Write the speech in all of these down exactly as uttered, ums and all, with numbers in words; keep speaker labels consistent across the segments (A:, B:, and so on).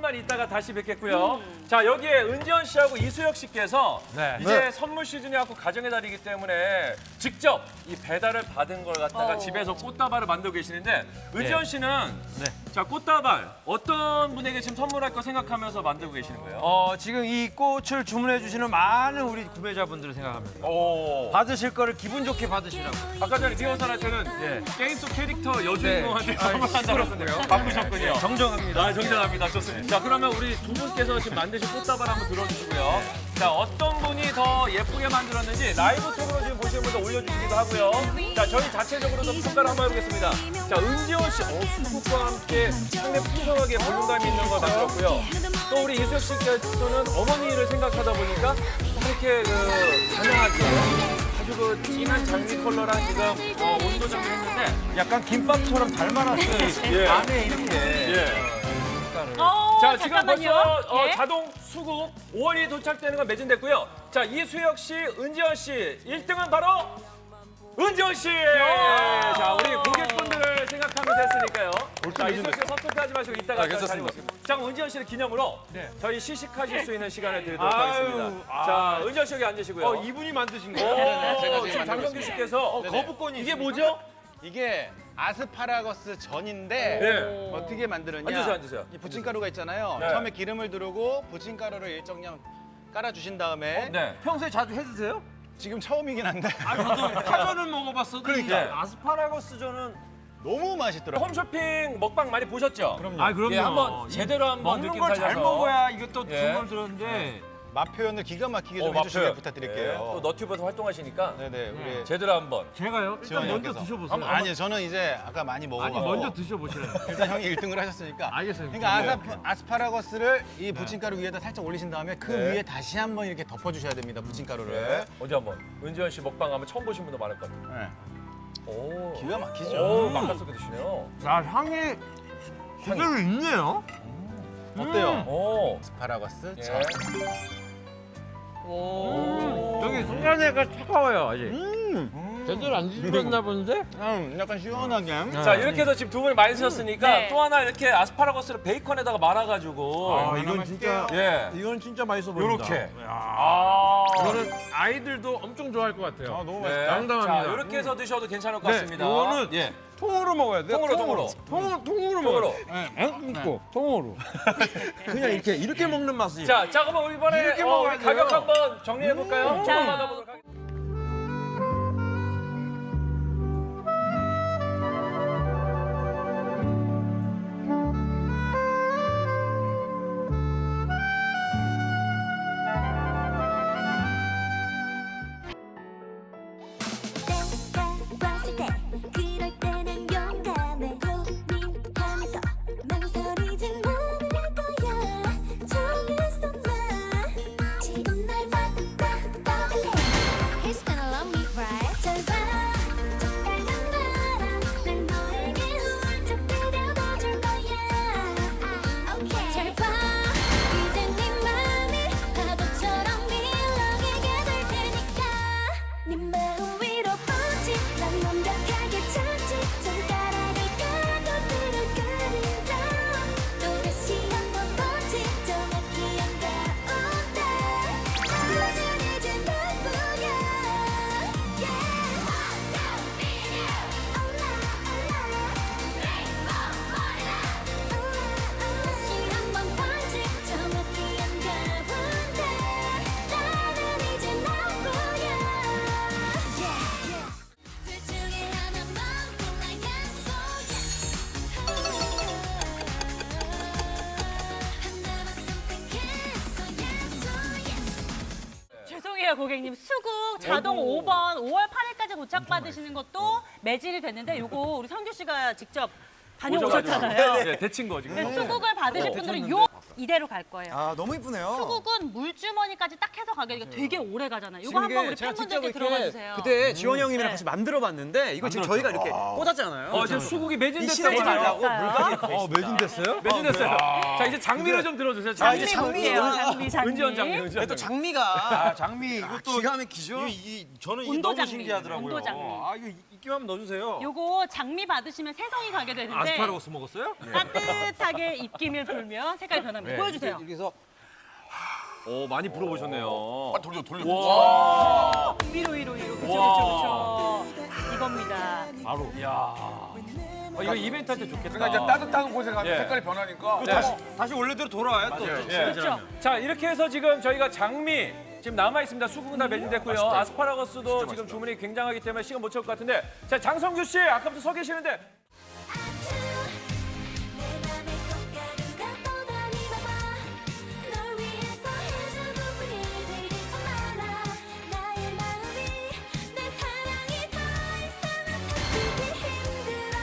A: 조금만 있다가 다시 뵙겠고요. 음. 자, 여기에 은지원 씨하고 이수혁 씨께서
B: 네.
A: 이제
B: 네.
A: 선물 시즌이 갖고 가정의 달이기 때문에 직접 이 배달을 받은 걸 갖다가
C: 어.
A: 집에서 꽃다발을 만들고 계시는데 은지원
B: 네.
A: 씨는
B: 네.
A: 자, 꽃다발 어떤 분에게 지금 선물할 거 생각하면서 만들고 계시는 거예요?
B: 어, 지금 이 꽃을 주문해 주시는 많은 우리 구매자분들을 생각합니다.
A: 오.
B: 받으실 거를 기분 좋게 받으시라고.
A: 아까 전에 리허설 할 때는
B: 예.
A: 게임 속 캐릭터 여주인공한테
B: 네.
A: 선물한다고 했는데요. 바쁘셨군요.
B: 정정합니다.
A: 아, 정정합니다. 좋습니다. 자, 그러면 우리 두 분께서 지금 만드신 꽃다발 한번 들어주시고요. 자, 어떤 분이 더 예쁘게 만들었는지 라이브 톡으로 지금 보시는 분들 올려주시기도 하고요. 자, 저희 자체적으로도 평가를 한번 해보겠습니다. 자, 은지원 씨, 어, 수국과 함께 상당히 풍성하게 볼륨감이 있는 걸 만들었고요. 또 우리 이수혁 씨께서는 어머니를 생각하다 보니까 이렇게 그 다양하게 아주 그 진한 장미 컬러랑 지금 어, 온도 정리 했는데
B: 약간 김밥처럼 닮아놨어요.
A: 예.
B: 안에 이렇게.
A: 예.
C: 어,
A: 자, 지금
C: 잠깐만요.
A: 벌써 어,
C: 예?
A: 자동 수국 오월이 도착되는 건 매진됐고요. 자, 이수혁 씨, 은지원 씨, 일 등은 바로 은지원 씨. 예. 자, 우리 고객분들을 생각하면서 했으니까요. 자, 이수혁 씨 섭섭해하지 마시고 이따가
B: 아, 괜찮습니다.
A: 자, 그럼 은지원 씨를 기념으로
B: 네.
A: 저희 시식하실 수 있는 시간을 드리도록
B: 아유,
A: 하겠습니다.
B: 아.
A: 자, 은지원 씨 여기 앉으시고요.
B: 어, 이분이 만드신
A: 오,
B: 거예요?
D: 제가 지금
A: 지금
D: 만들고
A: 장경규
D: 있습니다.
A: 씨께서 어,
D: 네네.
A: 거부권이 이게 뭐죠?
D: 이게 아스파라거스 전인데
A: 네.
D: 어떻게 만드느냐?
A: 앉으세요, 앉으세요.
D: 이 부침가루가 있잖아요.
A: 네.
D: 처음에 기름을 두르고 부침가루를 일정량 깔아주신 다음에
A: 네.
B: 평소에 자주 해 드세요?
D: 지금 처음이긴 한데
B: 아, 저도 파전은 먹어봤어도
A: 그러니까.
B: 이 아스파라거스전은
D: 너무 맛있더라고요.
A: 홈쇼핑 먹방 많이 보셨죠?
D: 그럼요.
B: 아, 그럼요.
A: 예, 한번 제대로 한번
B: 먹는
A: 느낌
B: 걸 잘
A: 살려서.
B: 먹어야 이것도
A: 예.
B: 주문을 들었는데
D: 맛 표현을 기가 막히게 좀
A: 어,
D: 해주시길
A: 맛표현.
D: 부탁드릴게요.
A: 예, 또 너튜브에서 활동하시니까
D: 네네 우리
A: 제대로 한번.
B: 제가요? 일단
D: 지원이
B: 먼저
D: 형께서.
B: 드셔보세요.
A: 한번-
D: 아니 저는 이제 아까 많이 먹어서
B: 아니, 먼저 드셔보시라요.
D: 일단 형이 일 등을 하셨으니까
B: 알겠어요.
D: 그러니까
B: 네.
D: 아사, 아스파라거스를 이 부침가루 위에다 살짝 올리신 다음에 그
A: 네.
D: 위에 다시 한번 이렇게 덮어주셔야 됩니다 부침가루를
A: 네. 어디 한번 은지원 씨 먹방 하면 처음 보신 분도 많을 것 같아요.
D: 네.
A: 오.
D: 기가 막히죠.
A: 오, 맛깔스럽게 드시네요.
B: 야, 향이 제대로 있네요.
D: 어때요?
A: 오.
D: 아스파라거스
A: 예.
D: 전.
A: 오.
B: 저기 순간에가 차가워요, 아직. 제대로 안 드셨나 본데?
D: 음, 약간 시원하게.
A: 자, 이렇게 해서 지금 두 분이 많이 드셨으니까
C: 네.
A: 또 하나 이렇게 아스파라거스를 베이컨에다가 말아가지고.
B: 아, 이건 진짜
A: 예.
B: 이건 진짜 맛있어 보인다.
A: 요렇게.
B: 야,
A: 아.
B: 이거는 아이들도 엄청 좋아할 것 같아요.
D: 아, 너무
A: 네.
D: 맛있다.
B: 양담합니다.
A: 자, 이렇게 해서 드셔도 괜찮을 것
B: 네,
A: 같습니다.
B: 이거는
A: 예.
B: 통으로 먹어야 돼요.
A: 통으로, 통으로.
B: 통으로, 통으로
A: 통으로.
B: 먹어요. 안 끊고 통으로. 그냥 이렇게 이렇게 먹는 맛이.
A: 자, 자, 그럼 이번에
B: 이렇게
A: 어,
B: 먹어야
A: 우리 가격
B: 돼요.
A: 한번 정리해 볼까요?
C: 음.
A: 조금
C: 자.
A: 만나보도록 하겠습니다.
E: 때가 왔을 때 그럴 때는 용감해 고민하면서 망설이지 않을 거야 정했어 나 지금 날 바꿔볼래 He's gonna love me right 잘 봐, 착각한 나라 날 너에게 훌쩍 들여다줄 거야 okay. 잘 봐, 이제 네 맘이 파도처럼 밀어내게 될 테니까 네 마음 위로 뻗지 난 완벽하게 찾지 손가락을 가둬들어 가린다 또다시 한번 보지 정확히 한가운데 나는 이제 너뿐이야 다시 한번 보지 정확히 한가운데 나는 이제 너뿐이야 둘 중에 하나만 골라 약속해 하나만 선택했어 yes yes
C: 죄송해요, 고객님. 수국 자동 오 번 오월 팔일까지 도착받으시는 것도 매진이 됐는데 요거 우리 성규 씨가 직접 다녀오셨잖아요.
A: 네, 데친 거 지금.
C: 네, 수국을 받으실 분들은 요 이대로 갈 거예요.
F: 아 너무 이쁘네요.
C: 수국은 물주머니까지 딱 해서 가게 되니까 되게 오래 가잖아요. 요거
F: 지금
C: 한번
F: 이게
C: 우리
F: 제가 직접
C: 팬분들께
F: 이렇게
C: 들어봐 주세요.
F: 그때 지원이 형님이랑
C: 네.
F: 같이 만들어봤는데 이거 지금 저희가 이렇게 꽂았잖아요.
A: 어, 지금 수국이
F: 이
A: 매진됐다고
F: 시간이
A: 하네요.
F: 달라고 물까지
B: 어, 매진됐어요?
A: 매진됐어요. 자, 이제 장미를 좀 들어주세요.
F: 아, 이제
A: 장미.
F: 장미.
C: 볼게요. 장미, 장미.
A: 은지원 장미, 은지원
F: 네, 또
A: 장미.
F: 장미가
B: 아, 장미 이것도
F: 기가 막히죠.
B: 이, 이, 저는 이게
C: 온도
B: 너무
C: 장미,
B: 신기하더라고요.
C: 온도 장미.
B: 아, 이거 입기만 하면 넣어주세요.
C: 요거 장미 받으시면 새송이 가게 되는데
B: 아스파라거스 먹었어요?
C: 따뜻하게 입김을 불면 색깔이 변합니다. 보여주세요.
F: 여기서
A: 오, 많이 불어보셨네요.
G: 아, 돌려 돌려.
A: 와.
C: 위로 위로 위로. 그쵸
A: 와.
C: 그쵸 그쵸. 이겁니다.
A: 바로. 이야. 어, 이거 이벤트 할 때 좋겠다.
G: 그러니까 이제 따뜻한 곳에 가면
A: 예.
G: 색깔이 변하니까.
A: 네.
B: 다시 다시 원래대로 돌아와요 또.
A: 예.
C: 그렇죠.
A: 자, 이렇게 해서 지금 저희가 장미 지금 남아 있습니다. 수국은 다 매진됐고요. 아스파라거스도 지금 주문이 굉장하기 때문에 시간 못 채울 것 같은데. 자, 장성규 씨 아까부터 서 계시는데
E: 내 맘에 꽃가루가 떠다니 봐봐 널 위해서 해주는 일들이 참 많아 나의 마음이 내 사랑이 더 이상은 살피기 힘들어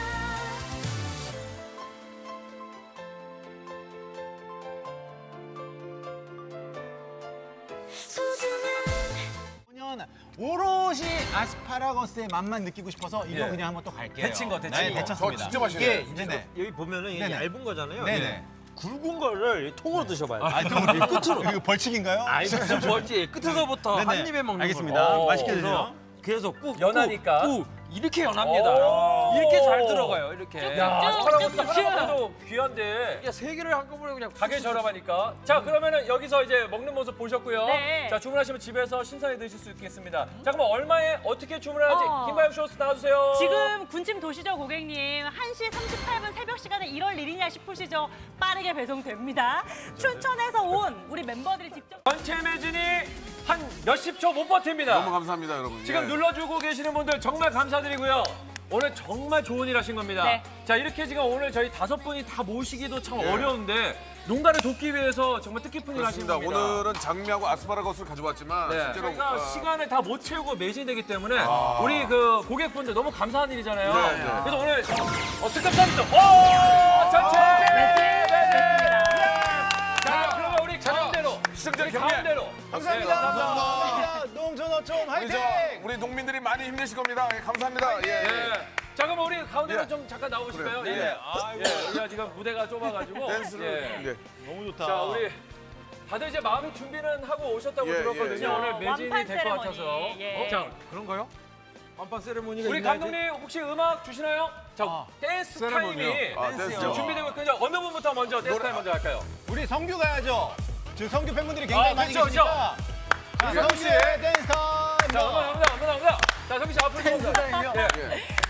E: 소중한
D: 그냥 오롯이 아스파라거스의 맛만 느끼고 싶어서 이거
A: 예.
D: 그냥 한번 또 갈게요.
B: 데친 거, 데친
D: 네,
B: 거.
D: 데쳤습니다.
G: 저 진짜 맛있네.
D: 이게 이제 네.
B: 여기 보면은 이게
D: 네네.
B: 얇은 거잖아요.
D: 네네.
B: 예. 굵은 거를 통으로 드셔봐요.
D: 아, 좀 끝으로. 이거 벌칙인가요?
B: 아니 무슨 벌지 끝에서부터
D: 네네.
B: 한 입에 먹는
D: 알겠습니다.
B: 걸로.
D: 맛있게
B: 그래서-
D: 드세요.
B: 그래서 꾹
A: 연하니까.
B: 꾹, 꾹 이렇게 연합니다.
A: 오.
B: 이렇게 잘 들어가요. 이렇게.
A: 야, 아스파라거스
C: 쭉쭉쭉.
A: 하나도 귀한데
B: 이게 세 개를 한꺼번에 그냥
A: 가게 저렴하니까. 자, 그러면은 여기서 이제 먹는 모습 보셨고요.
C: 네.
A: 자, 주문하시면 집에서 신선히 드실 수 있겠습니다. 자, 그럼 얼마에 어떻게 주문하는지
C: 어.
A: 김바영 쇼스 나와주세요.
C: 지금 군침 도시죠 고객님. 한 시 삼십팔 분 새벽 시간에 일월 일이냐 싶으시죠? 빠르게 배송됩니다. 춘천에서 온 우리 멤버들이 직접
A: 전체 매진이 한 몇십 초 못 버팁니다.
G: 너무 감사합니다, 여러분.
A: 지금
G: 예.
A: 눌러주고 계시는 분들 정말 감사드리고요. 오늘 정말 좋은 일 하신 겁니다.
C: 네.
A: 자, 이렇게 지금 오늘 저희 다섯 분이 다 모시기도 참
G: 예.
A: 어려운데 농가를 돕기 위해서 정말 뜻깊은 일 하신
G: 그렇습니다.
A: 겁니다.
G: 오늘은 장미하고 아스파라거스를 가져왔지만
A: 네.
G: 실제로
A: 저희가
G: 어,
A: 시간을 다 못 채우고 매진되기 때문에 우리 그 고객분들 너무 감사한 일이잖아요.
G: 네, 네.
A: 그래서 오늘 어, 특급 서비스 오! 전체 매진! 자, 그러면 우리 가운데로
G: 시청자
A: 우리
G: 경례.
A: 가운데로
D: 감사합니다.
A: 네, 감사합니다.
D: 농촌어촌
G: 우리
D: 화이팅!
G: 저 우리 농민들이 많이 힘내실 겁니다. 예, 감사합니다. 예. 예.
A: 예. 자, 그럼 우리 가운데로
G: 예.
A: 좀 잠깐 나오실까요?
G: 그래요.
A: 예.
G: 예.
A: 예. 우리가 지금 무대가 좁아가지고.
G: 댄스를
A: 예.
G: 예.
D: 너무 좋다.
A: 자, 우리 다들 이제 마음의 준비는 하고 오셨다고
G: 예,
A: 들었거든요.
G: 예, 예.
A: 오늘 매진이
C: 완판
A: 될 것
C: 세레머니.
A: 같아서.
C: 예.
A: 어? 자,
B: 그런가요? 완판 세레모니가
A: 우리
B: 있나요?
A: 감독님 혹시 음악 주시나요? 자, 댄스
G: 세레모니요?
A: 타임이
G: 아,
A: 지금
G: 댄스요?
A: 준비되고 있거든요. 어느 분부터 먼저 댄스 타임 먼저 할까요?
D: 우리 성규 가야죠. 지금 성규 팬분들이 굉장히
A: 아,
D: 많이
A: 그렇죠,
D: 계시니까. 자,
G: 그렇죠.
D: 성규 씨의 댄스 타임.
A: 자, 음악 나옵니다. 음악 나옵니다. 자, 성기 씨 앞으로 좀 오세요. 예.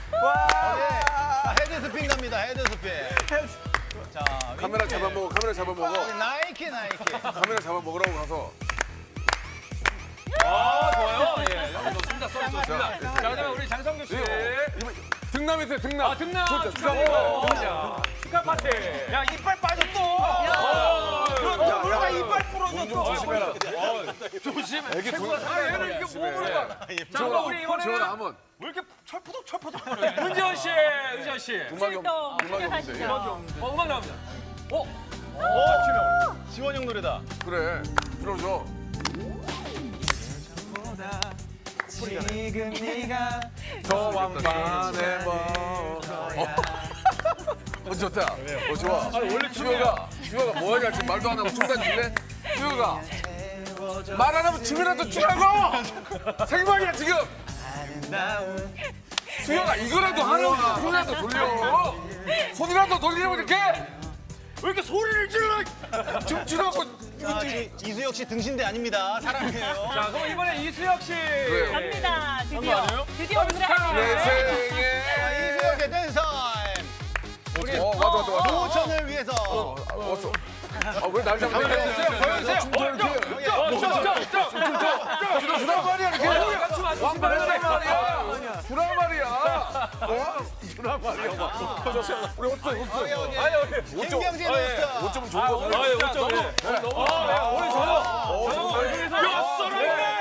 D: 자, 헤드 스핀 갑니다. 헤드 스핀. 자,
G: 카메라
D: 윙크.
G: 잡아먹어. 카메라 잡아먹어.
D: 나이키 나이키.
G: 카메라 잡아먹으라고 가서.
A: 아, 좋아요. 예. 좋습니다. 쏘리 좋습니다. 자, 그다음에 우리 장성규 씨.
G: 이번 등남 있어요. 등남.
A: 아, 등남
G: 좋죠.
A: 축하드리고.
G: 등남.
A: 자, 축하 파티.
B: 야 이빨 빠졌어.
G: 야,
B: 뭐가
G: 야,
B: 이빨
G: 돈 좀
B: 부러졌어.
G: 조심해라.
A: 조심.
G: 애기 돈.
A: 아, 얘는 이게 뭐 보는 거야? 자, 그럼 우리
G: 저는
A: 이번에는
G: 한번.
B: 왜 이렇게 철푸덕 철푸덕
A: 은지원 씨, 은지원 씨.
G: 음악이
C: 출동
G: 없- 음악이 없는데.
C: 시작하시죠.
A: 어, 음악 나옵니다. 어?
D: 오, 지원 형 노래다.
G: 그래. 들어줘.
B: 지금 네가
G: 저 왕만의 뭐. 어, 좋다. 어, 좋아.
A: 원래
G: 수효가, 수효가 뭐 하냐, 지금 말도 안 하고 춤단 줄래? 수효가. 말 안 하면 춤이라도 추라고! 생방이야, 지금! 수효가 이거라도 하라고 손이라도 돌려! 손이라도 돌리라고 이렇게! 왜 이렇게 소리를 질러! 춤추라고!
D: 자, 이- 이수혁 씨 등신대 아닙니다. 사랑해요.
A: 자, 그럼 이번에 이수혁 씨.
G: 그래요.
C: 갑니다.
A: 그거
C: 드디어
A: 아니에요?
C: 드디어
A: 서비스
C: 오늘의
A: 타임.
G: 내
C: 하이라이트.
G: 생에.
D: 이수혁의 댄스 타임.
G: 우리, 어, 맞다, 맞다, 맞다.
D: 노천을 위해서.
G: 어, 아, 왔어. 아, 왜 날 잡는 거야?
A: 보여주세요, 보여주세요.
G: 춤춰, 이렇게.
A: 어, 좀, 좀, 좀, 좀.
G: 주란 말이야, 이렇게.
A: 같이 맞추시면
G: 왕만의
A: 안 돼.
G: 말이야. 주란 말이야. 어? 주란 말이야. 우리 어때, 어때?
A: 아유,
D: 김경진
A: 어, 예.
D: 노스타.
G: 오 점은 좋은
A: 아,
G: 거
A: 오늘 아, 예, 오 점. 예. 너무 아, 예, 오늘 저요.
G: 어,
A: 저요
G: 좋다.
A: 얼굴에서 몇 썰었네.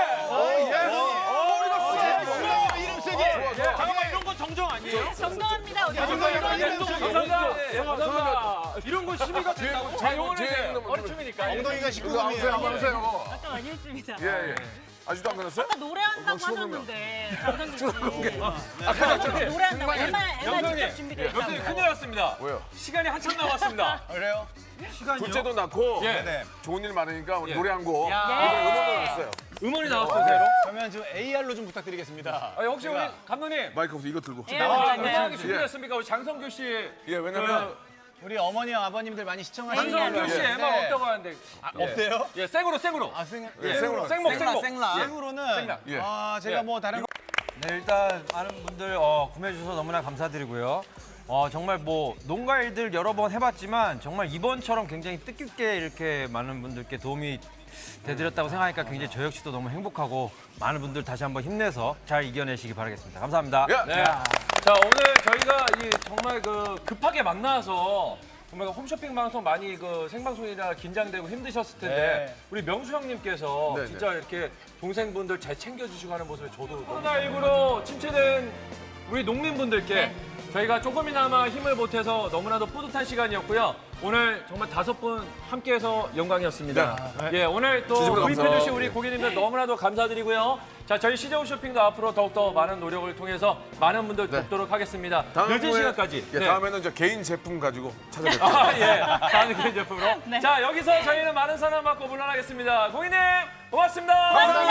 D: 이름 쓰기.
B: 잠깐만 이런 거 정정 아니에요?
C: 정정합니다. 어디
D: 정정합니다.
C: 정정.
D: 이름 쓰기.
A: 감사합니다. 예, 감사합니다.
B: 이런 거 시비가 된다고?
A: 자, 요거는
G: 제일
A: 이제
G: 넘어가면
A: 어리춤이니까.
D: 엉덩이가
G: 이거 안 하세요, 안
D: 십구 금이에요.
G: 하세요.
C: 아까 많이 했습니다.
G: 예, 예. 아직도 안 끝났어요?
C: 아까 노래한다고
G: 어,
C: 하셨는데 장성규 씨.
A: 아까 저기
C: 노래한다고 애만 애만
A: 영선이,
C: 직접 준비돼
A: 영선이
C: 있다고.
A: 큰일 났습니다.
G: 왜요?
A: 시간이 한참 남았습니다.
D: 그래요?
G: 둘째도 낳고
A: 예.
D: 네.
G: 좋은 일 많으니까 우리
A: 예.
G: 노래 한 곡.
A: 야.
G: 이번에 음원을 났어요.
A: 음원이 나왔어요, 새로.
D: 그러면 좀 에이알로 좀 부탁드리겠습니다.
A: 아, 혹시 우리 감독님
G: 마이크 없어 이거 들고.
C: 예,
A: 아,
C: 네.
A: 음악이 준비됐습니까? 우리 장성규 씨.
G: 예, 왜냐면
D: 우리 어머니와 아버님들 많이 시청하시는
A: 한성규 씨
D: 네.
A: 엠마 없다고 하는데.
D: 아, 없대요?
A: 예, 생으로 생으로.
D: 아, 생,
G: 예, 생으로.
A: 생목
F: 생라,
A: 생목.
F: 생라.
D: 생으로는
A: 생각.
G: 예.
D: 아, 제가
A: 예.
D: 뭐 다른
B: 네, 일단 많은 분들 어, 구매해 주셔서 너무나 감사드리고요. 어, 정말 뭐 농가 일들 여러 번 해봤지만 정말 이번처럼 굉장히 뜻깊게 이렇게 많은 분들께 도움이 되드렸다고 생각하니까 굉장히 저 역시도 너무 행복하고 많은 분들 다시 한번 힘내서 잘 이겨내시기 바라겠습니다. 감사합니다.
G: 야.
A: 네. 자, 오늘 저희가 이 정말 그 급하게 만나서 정말 그 홈쇼핑 방송 많이 그 생방송이라 긴장되고 힘드셨을 텐데
D: 네.
A: 우리 명수 형님께서
G: 네,
A: 진짜 이렇게 동생분들 잘 챙겨주시고 하는 모습에 저도 코로나십구로 침체된 우리 농민분들께 저희가 조금이나마 힘을 보태서 너무나도 뿌듯한 시간이었고요. 오늘 정말 다섯 분 함께해서 영광이었습니다. 예, 오늘 또
G: 진심으로
A: 구입해주신
G: 감사합니다.
A: 우리 고객님들 너무나도 감사드리고요. 자, 저희 시저우 쇼핑도 앞으로 더욱더 많은 노력을 통해서 많은 분들
G: 네.
A: 돕도록 하겠습니다.
G: 다음에-
A: 늦은 시간까지.
G: 예,
A: 네.
G: 다음에는 저 개인 제품 가지고 찾아뵙겠습니다.
A: 아, 예. 다음 개인 제품으로.
C: 네.
A: 자, 여기서 저희는 많은 사랑 받고 물러나겠습니다. 고객님, 고맙습니다.